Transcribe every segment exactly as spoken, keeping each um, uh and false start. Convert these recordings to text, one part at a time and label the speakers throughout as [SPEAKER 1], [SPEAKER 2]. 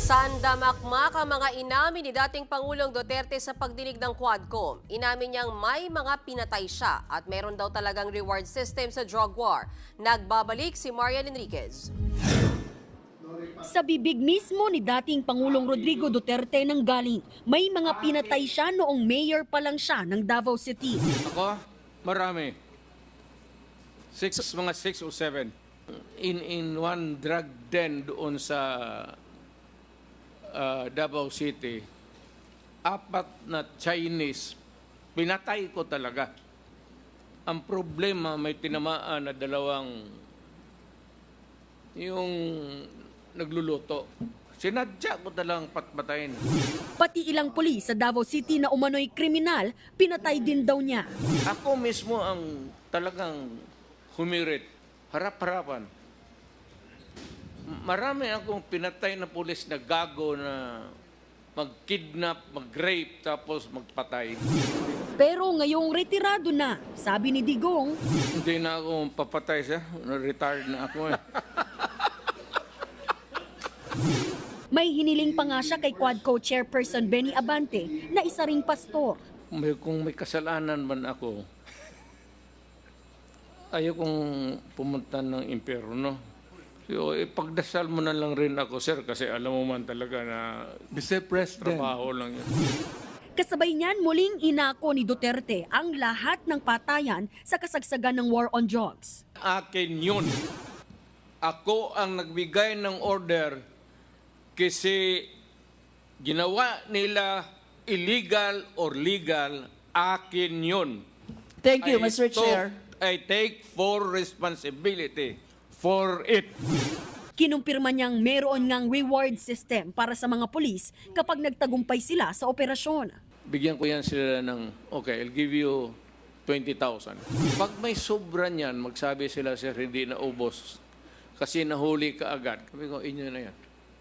[SPEAKER 1] Sandamakmak ang mga inamin ni dating Pangulong Duterte sa pagdinig ng Quadcom. Inamin niyang may mga pinatay siya at meron daw talagang reward system sa drug war. Nagbabalik si Marian Enriquez.
[SPEAKER 2] Sa bibig mismo ni dating Pangulong Rodrigo Duterte nang galing, may mga pinatay siya noong mayor pa lang siya ng Davao City.
[SPEAKER 3] Ako, marami. Six, mga six o seven. In, in one drug den doon sa uh, Davao City, apat na Chinese, pinatay ko talaga. Ang problema, may tinamaan na dalawang yung nagluluto. Sinadya ko talagang patpatayin.
[SPEAKER 2] Pati ilang pulis sa Davao City na umano'y kriminal, pinatay din daw niya.
[SPEAKER 3] Ako mismo ang talagang humirit. Harap-harapan. Marami akong pinatay na pulis na gago na mag-kidnap, mag-rape, tapos magpatay.
[SPEAKER 2] Pero ngayong retirado na, sabi ni Digong,
[SPEAKER 3] Hindi na ako papatay siya. Retired na ako eh.
[SPEAKER 2] may hiniling pa nga siya kay Quadco Chairperson Benny Abante na isa ring pastor.
[SPEAKER 3] May, kung may kasalanan man ako, ayaw kong pumunta ng impyerno. So, ipagdasal mo na lang rin ako, sir, kasi alam mo man talaga na
[SPEAKER 4] Mister President,
[SPEAKER 3] trabaho lang yun.
[SPEAKER 2] Kasabay niyan, muling inako ni Duterte ang lahat ng patayan sa kasagsagan ng war on drugs.
[SPEAKER 3] Akin yun. Ako ang nagbigay ng order kasi ginawa nila illegal or legal, akin yun.
[SPEAKER 5] Thank you,
[SPEAKER 3] I
[SPEAKER 5] Mister
[SPEAKER 3] took-
[SPEAKER 5] Chair.
[SPEAKER 3] I take full responsibility for it.
[SPEAKER 2] Kinumpirma niyang meron ngang reward system para sa mga pulis kapag nagtagumpay sila sa operasyon.
[SPEAKER 3] Bigyan ko yan sila ng, okay, I'll give you twenty thousand. Pag may sobra niyan, magsabi sila, sir, hindi na ubos. Kasi nahuli ka agad. Sabi ko, inyo na yan.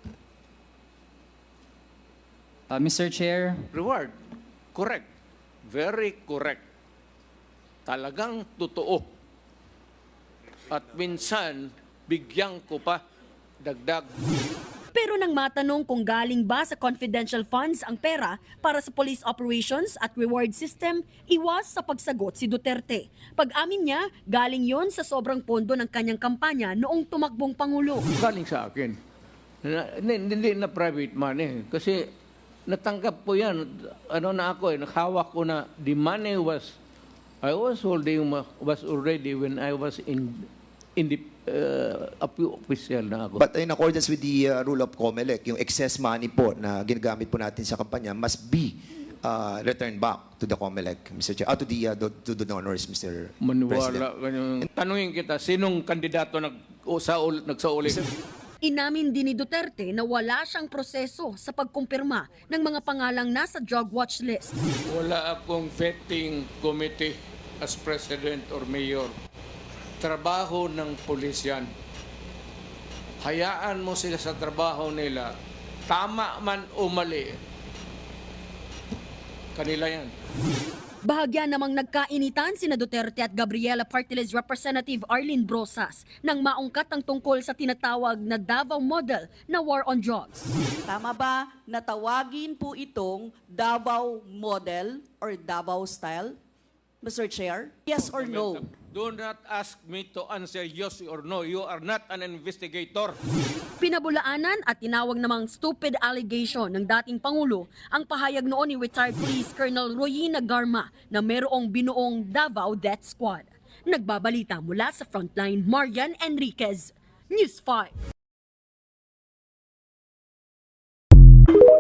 [SPEAKER 6] Uh, Mister Chair,
[SPEAKER 3] Reward. Correct. Very correct. Talagang totoo. At minsan, bigyan ko pa dagdag.
[SPEAKER 2] Pero nang matanong kung galing ba sa confidential funds ang pera para sa police operations at reward system, iwas sa pagsagot si Duterte. Pag-amin niya, galing yon sa sobrang pondo ng kanyang kampanya noong tumakbong Pangulo.
[SPEAKER 3] Galing sa akin. Na, hindi, hindi na private money. Kasi natanggap ko yan. Ano na ako eh, nakahawak ko na the money was, I was holding, was already when I was in, in the uh, official na ako.
[SPEAKER 7] But in accordance with the uh, rule of COMELEC, yung excess money po na ginagamit po natin sa kampanya must be uh, returned back to the COMELEC, Mister Chair, uh, to the uh, to the donors, Mister
[SPEAKER 3] Maniwala
[SPEAKER 7] President.
[SPEAKER 3] ganyan. Tanungin kita, sinong kandidato nag, o, sa, nagsauli?
[SPEAKER 2] Inamin din ni Duterte na wala siyang proseso sa pagkumpirma ng mga pangalang nasa drug watch list.
[SPEAKER 3] Wala akong vetting committee as president or mayor. Trabaho ng pulis yan. Hayaan mo sila sa trabaho nila. Tama man o mali. Kanila yan.
[SPEAKER 2] Bahagya namang nagkainitan sina Duterte at Gabriela Partiles Representative Arlene Brosas nang maungkat ang tungkol sa tinatawag na Davao model na war on drugs.
[SPEAKER 5] Tama ba na tawagin po itong Davao model or Davao style, Mister Chair? Yes or no?
[SPEAKER 3] Do not ask me to answer yes or no. You are not an investigator.
[SPEAKER 2] Pinabulaanan at tinawag namang stupid allegation ng dating Pangulo ang pahayag noon ni retired Police Colonel Royina Garma na merong binuong Davao Death Squad. Nagbabalita mula sa Frontline, Marian Enriquez, News five.